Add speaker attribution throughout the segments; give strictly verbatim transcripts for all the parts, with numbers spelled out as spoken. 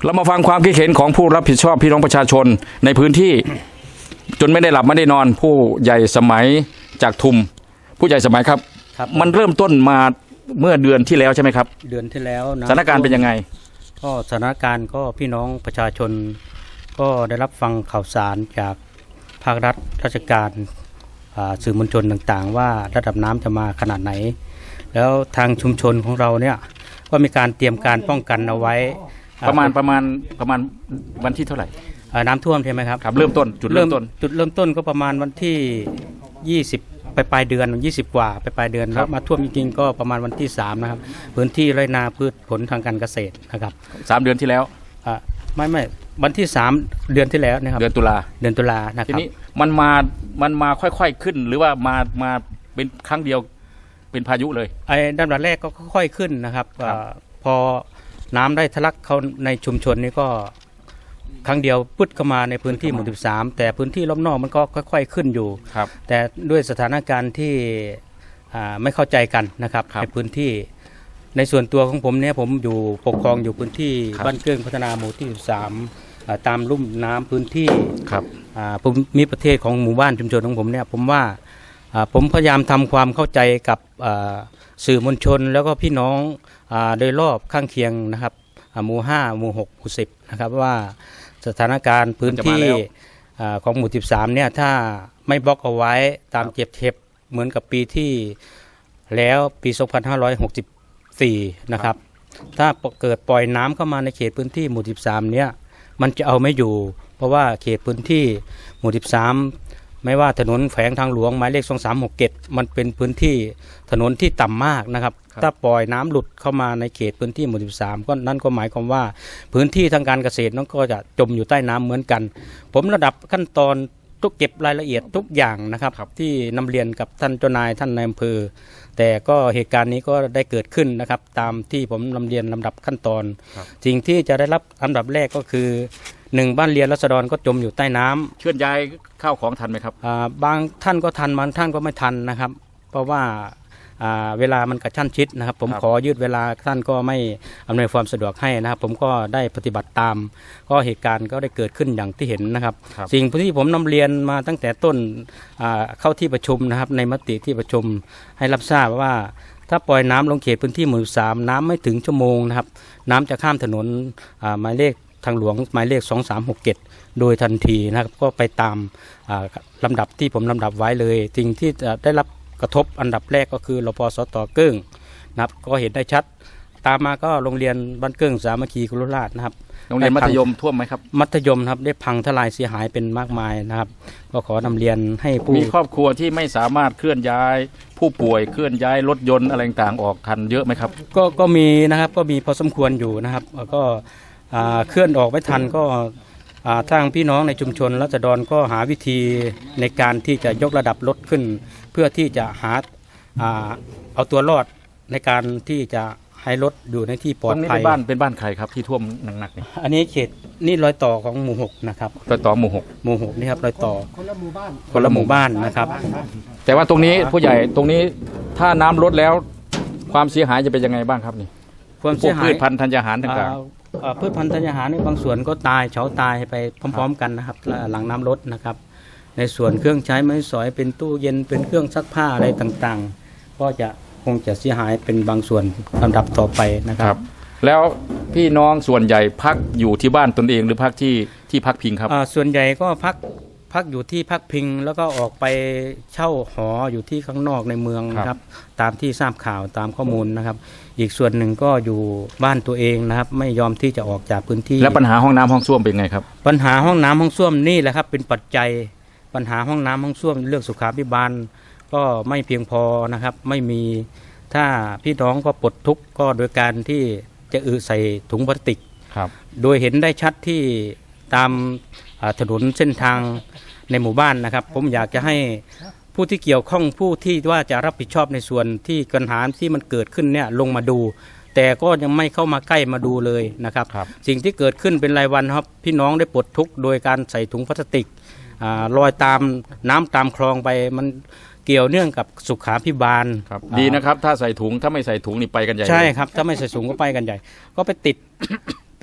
Speaker 1: เรามาฟังความคิดเห็นของผู้รับผิดชอบพี่น้องประชาชนในพื้นที่จนไม่ได้หลับไม่ได้นอนผู้ใหญ่สมัยจากทุมผู้ใหญ่สมัยครับมันเริ่มต้นมาเมื่อเดือนที่แล้วใช่ไหมครับ
Speaker 2: เดือนที่แล้ว
Speaker 1: สถานการณ์เป็นยังไง
Speaker 2: ก็สถานการณ์ก็พี่น้องประชาชนก็ได้รับฟังข่าวสารจากภาครัฐราชการสื่อมวลชนต่างๆว่าระดับน้ำจะมาขนาดไหนแล้วทางชุมชนของเราเนี่ยก็มีการเตรียมการป้องกันเอาไว้
Speaker 1: ประมาณประมาณประมาณวันที่เท่าไหร่
Speaker 2: น้ำท่วมใช่ไหมครับ
Speaker 1: ครับเริ่มต้นจุดเริ่มต้น
Speaker 2: จุดเริ่มต้นก็ประมาณวันที่ยี่สิบไปปลายเดือนยี่สิบกว่าไปปลายเดือนแล้วมาท่วมจริงๆก็ประมาณวันที่สามนะครับพื้นที่ไรนาพืชผลทางการเกษตรนะครับ
Speaker 1: สามเดือนที่แล้ว
Speaker 2: อ่าไม่ไม่วันที่สามเดือนที่แล้วนะครับ
Speaker 1: เดือนตุลา
Speaker 2: เดือนตุลานะครับ
Speaker 1: ทีนี้มันมามันมาค่อยๆขึ้นหรือว่ามามาเป็นครั้งเดียวเป็นพายุเลย
Speaker 2: ไอ้ด้านแรกก็ค่อยๆขึ้นนะครับพอน้ำได้ทะลักเข้าในชุมชนนี้ก็ครั้งเดียวปึ๊ดเข้ามาในพื้นที่หมู่สิบสามแต่พื้นที่รอบนอกมันก็ค่อยๆขึ้นอยู่แต่ด้วยสถานการณ์ที่ไม่เข้าใจกันนะครับในพื้นที่ในส่วนตัวของผมเนี่ยผมอยู่ปกครองอยู่พื้นที่บ้านเกื้องพัฒนาหมู่ที่สิบสามตามลุ่มน้ำพื้นที่ภูมิประเทศของหมู่บ้านชุมชนของผมเนี่ยผมว่าผมพยายามทำความเข้าใจกับสื่อมวลชนแล้วก็พี่น้องโดยรอบข้างเคียงนะครับหมู่ห้าหมู่หกหมู่สิบนะครับว่าสถานการณ์พื้นที่ของหมู่สิบสามเนี่ยถ้าไม่บล็อกเอาไว้ตามเจ็บเทปเหมือนกับปีที่แล้วปีสองพันห้าร้อยหกสิบสี่นะครับถ้าเกิดปล่อยน้ำเข้ามาในเขตพื้นที่หมู่สิบสามเนี่ยมันจะเอาไม่อยู่เพราะว่าเขตพื้นที่หมู่สิบสามไม่ว่าถนนแขวงทางหลวงหมายเลขสองสามหกเจ็ดมันเป็นพื้นที่ถนนที่ต่ำมากนะครับถ้าปล่อยน้ำหลุดเข้ามาในเขตพื้นที่หมู่สิบสามก็นั่นก็หมายความว่าพื้นที่ทางการเกษตรนั้นก็จะจมอยู่ใต้น้ำเหมือนกันผมระดับขั้นตอนทุกเก็บรายละเอียดทุกอย่างนะครับที่นำเรียนกับท่านเจ้านายท่านนายอำเภอแต่ก็เหตุการณ์นี้ก็ได้เกิดขึ้นนะครับตามที่ผมนำเรียนลำดับขั้นตอนสิ่งที่จะได้รับอันดับแรกก็คือหนึ่งบ้านเรียนราษฎรก็จมอยู่ใต้น้ำ
Speaker 1: เคลื่อนย้ายข้าวของทันไหมครับ
Speaker 2: บางท่านก็ทันบางท่านก็ไม่ทันนะครับเพราะว่าเวลามันกระชั้นชิดนะครับผมขอยืดเวลาท่านก็ไม่อำนวยความสะดวกให้นะครับผมก็ได้ปฏิบัติตามก็เหตุการณ์ก็ได้เกิดขึ้นอย่างที่เห็นนะครับสิ่งที่ผมนำเรียนมาตั้งแต่ต้นเข้าที่ประชุมนะครับในมติที่ประชุมให้รับทราบว่าถ้าปล่อยน้ำลงเขตพื้นที่หมู่สามน้ำไม่ถึงชั่วโมงนะครับน้ำจะข้ามถนนหมายเลขทางหลวงหมายเลขสองสามหกเจ็ดโดยทันทีนะครับก็ไปตามลำดับที่ผมลำดับไว้เลยสิ่งที่ได้รับกระทบอันดับแรกก็คือรปสต.เกิ้งนะครับก็เห็นได้ชัดตามมาก็โรงเรียนบ้านเกิ้งสามัคคีกุลราชนะครับ
Speaker 1: โรงเรียนมัธยมท่วมไหมครับ
Speaker 2: มัธยมครับได้พังทลายเสียหายเป็นมากมายนะครับก็ขอนำเรียนให้ผู้
Speaker 1: มีครอบครัวที่ไม่สามารถเคลื่อนย้ายผู้ป่วยเคลื่อนย้ายรถยนต์อะไรต่างๆออกทันเยอะไหมครับ
Speaker 2: ก็ก็มีนะครับก็มีพอสมควรอยู่นะครับก็เคลื่อนออกไม่ทันก็ทางพี่น้องในชุมชนราษฎรก็หาวิธีในการที่จะยกระดับรถขึ้นเพื่อที่จะหาเอาตัวรอดในการที่จะให้รถอยู่ในที่ปลอดภัย
Speaker 1: เป็นบ้านเป็นบ้านใครครับที่ท่วมหนักๆนี่
Speaker 2: อันนี้เขตนี่รอยต่อของหมู่หกนะครับ
Speaker 1: รอยต่อหมู่หก
Speaker 2: หมู่หกนี่ครับรอยต่อคนละหมู่บ้านคนละหมู่บ้านนะครับ
Speaker 1: แต่ว่าตรงนี้ผู้ใหญ่ตรงนี้ถ้าน้ำลดแล้วความเสียหายจะเป็นยังไงบ้างครับนี่
Speaker 2: ความเสียหาย
Speaker 1: พืชพันธุ์ธัญญาหารต่าง
Speaker 2: ๆพืชพันธุ์ธัญญาหารในบางส่วนก็ตายเฉาตายไปพร้อมๆกันนะครับหลังน้ำลดนะครับในส่วนเครื่องใช้ไม้สอยเป็นตู้เย็นเป็นเครื่องซักผ้าอะไรต่างๆก็จะคงจะเสียหายเป็นบางส่วนลำดับต่อไปนะครับ
Speaker 1: แล้วพี่น้องส่วนใหญ่พักอยู่ที่บ้านตนเองหรือพักที่ที่พักพิงครับ
Speaker 2: ส่วนใหญ่ก็พักพักอยู่ที่พักพิงแล้วก็ออกไปเช่าหออยู่ที่ข้างนอกในเมืองนะครับตามที่ทราบข่าวตามข้อมูลนะครับอีกส่วนหนึ่งก็อยู่บ้านตัวเองนะครับไม่ยอมที่จะออกจากพื้นที่
Speaker 1: แล้วปัญหาห้องน้ำห้องส้วมเป็นไงครับ
Speaker 2: ปัญหาห้องน้ำห้องส้วมนี่แหละครับเป็นปัจจัยปัญหาห้องน้ำห้องส้วมเรื่องสุขาภิบาลก็ไม่เพียงพอนะครับไม่มีถ้าพี่น้องก็ปลดทุกข์ก็โดยการที่จะอือใส่ถุงพลาสติกโดยเห็นได้ชัดที่ตามถนนเส้นทางในหมู่บ้านนะครับผมอยากจะให้ผู้ที่เกี่ยวข้องผู้ที่ว่าจะรับผิดชอบในส่วนที่ปัญหาที่มันเกิดขึ้นเนี่ยลงมาดูแต่ก็ยังไม่เข้ามาใกล้มาดูเลยนะครับสิ่งที่เกิดขึ้นเป็นรายวันครับพี่น้องได้ปลดทุกข์โดยการใส่ถุงพลาสติกลอยตามน้ำตามคลองไปมันเกี่ยวเนื่องกับสุขาภิบาล
Speaker 1: ดีนะครับถ้าใส่ถุงถ้าไม่ใส่ถุงนี่ไปกันใหญ่
Speaker 2: ใช่ครับถ้าไม่ใส่ถุงก็ไปกันใหญ่ก็ไปติดไป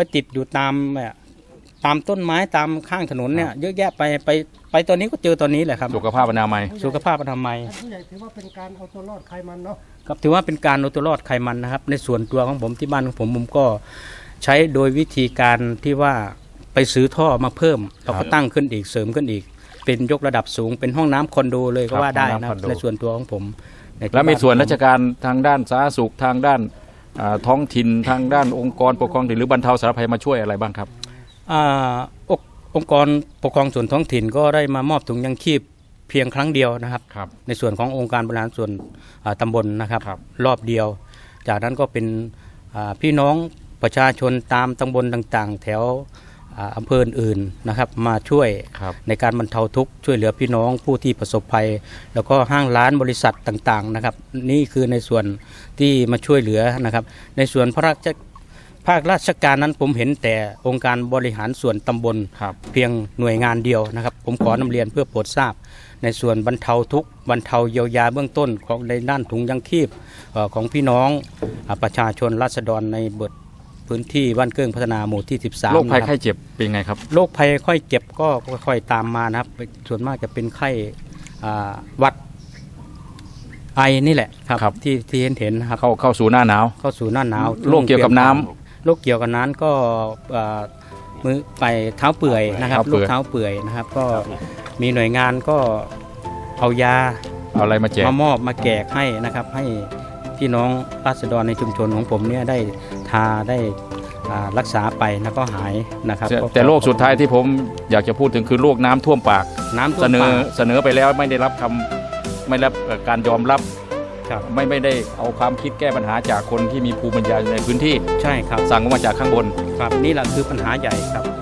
Speaker 2: ติดอยู่ตามแบบตามต้นไม้ตามข้างถนนเนี่ยเยอะแยะไปไปไปตอนนี้ก็เจอตอนนี้แหละครับ
Speaker 1: สุขภาพอนามัย
Speaker 2: สุขภาพอนามัย
Speaker 3: ผู้ใหญ่ถือว่าเป็นการเอาตัวรอดใครมันเนาะ
Speaker 2: ครับถือว่าเป็นการเอาตัวรอดไขมันนะครับในส่วนตัวของผมที่บ้านของผมผมก็ใช้โดยวิธีการที่ว่าไปซื้อท่อมาเพิ่มเราก็ตั้งขึ้นอีกเสริมขึ้นอีก เป็นยกระดับสูงเป็นห้องน้ำคอนโดเลยก็ว่าได้นะครับในส่วนตัวของผมในที่
Speaker 1: แล้วมี
Speaker 2: บ้า
Speaker 1: ส่วน
Speaker 2: ผม
Speaker 1: ราชการทางด้านสาธารณสุขทางด้านอ่าท้องถิ่นทางด้านองค์กรปกครองถิ่นหรือบรรเทาสาธารณภัยมาช่วยอะไรบ้างครับ
Speaker 2: อ่าองค์องค์กรปกครองส่วนท้องถิ่นก็ได้มามอบถุงยังชีพเพียงครั้งเดียวนะครับ
Speaker 1: ครับ
Speaker 2: ในส่วนขององค์การบริหารส่วนอ่าตำบลนะครับ
Speaker 1: ครับ
Speaker 2: รอบเดียว จากนั้นก็เป็นอ่าพี่น้องประชาชนตามตำบลต่างๆ แถวอ่าอำเภออื่นๆนะครับมาช่วย
Speaker 1: ครับ
Speaker 2: ในการบรรเทาทุกข์ช่วยเหลือพี่น้องผู้ที่ประสบภัย แล้วก็ห้างร้านบริษัทต่างๆนะครับ นี่คือในส่วนที่มาช่วยเหลือนะครับ ในส่วนพระราชภาคราชการนั้นผมเห็นแต่องค์การบริหารส่วนตำบล
Speaker 1: ครับ
Speaker 2: เพียงหน่วยงานเดียวนะครับ ผมขอนำเรียนเพื่อโปรดทราบ ในส่วนบรรเทาทุกข์บรรเทาเยียวยาเบื้องต้นของในด้านถุงยังชีพเอ่อของพี่น้องอ่าประชาชนราษฎรในบทพื้นที่บ้านเกิ้งพัฒนาหมู่ที่สิบสาม
Speaker 1: โรคภัย
Speaker 2: นะ
Speaker 1: ไข้
Speaker 2: รับ
Speaker 1: เจ็บเป็นไงครับ
Speaker 2: โรคภัยค่อยเจ็บก็ค่อยๆตามมานะครับ ส่วนมากจะเป็นไข้อ่าหวัดไอนี่แหละครับ
Speaker 1: ครับ
Speaker 2: ที่ที่เห็นเห็นนะครับ
Speaker 1: เข้าเข้าสู่หน้าหนาว
Speaker 2: เข้าสู่หน้าหนาว
Speaker 1: โรคเกี่ยวกับน้ำ
Speaker 2: โรคเกี่ยวกับน้ำก็เอ่อมือไปเท้าเปื่อยนะครับ
Speaker 1: เท้าเปื่
Speaker 2: โร
Speaker 1: อย
Speaker 2: คเท้าเปื่อยนะครับ ก็มีหน่วยงานก็เอายา
Speaker 1: เอาอะไรมาแจก
Speaker 2: มามอบมาแจกให้นะครับ ให้พี่น้องราษฎรในชุมชนของผมเนี่ยได้ทาได้อ่ารักษาไปแล้วก็หายนะครับ
Speaker 1: แต่
Speaker 2: ก็
Speaker 1: แต่โรคสุดท้ายที่ผมอยากจะพูดถึงคือโรคน้ำท่วมปาก
Speaker 2: น้ำท่ว
Speaker 1: เส
Speaker 2: ม
Speaker 1: นอ
Speaker 2: ปาก
Speaker 1: เสนอไปแล้วไม่ได้รับคำไม่ได้รับเอ่อการยอมรับ
Speaker 2: ครับ
Speaker 1: ไม่ไม่ได้เอาความคิดแก้ปัญหาจากคนที่มีภูมิปัญญาในพื้นที่
Speaker 2: ใช่ครับ
Speaker 1: สั่งออกมาจากข้างบน
Speaker 2: ครับนี่แหละคือปัญหาใหญ่ครับ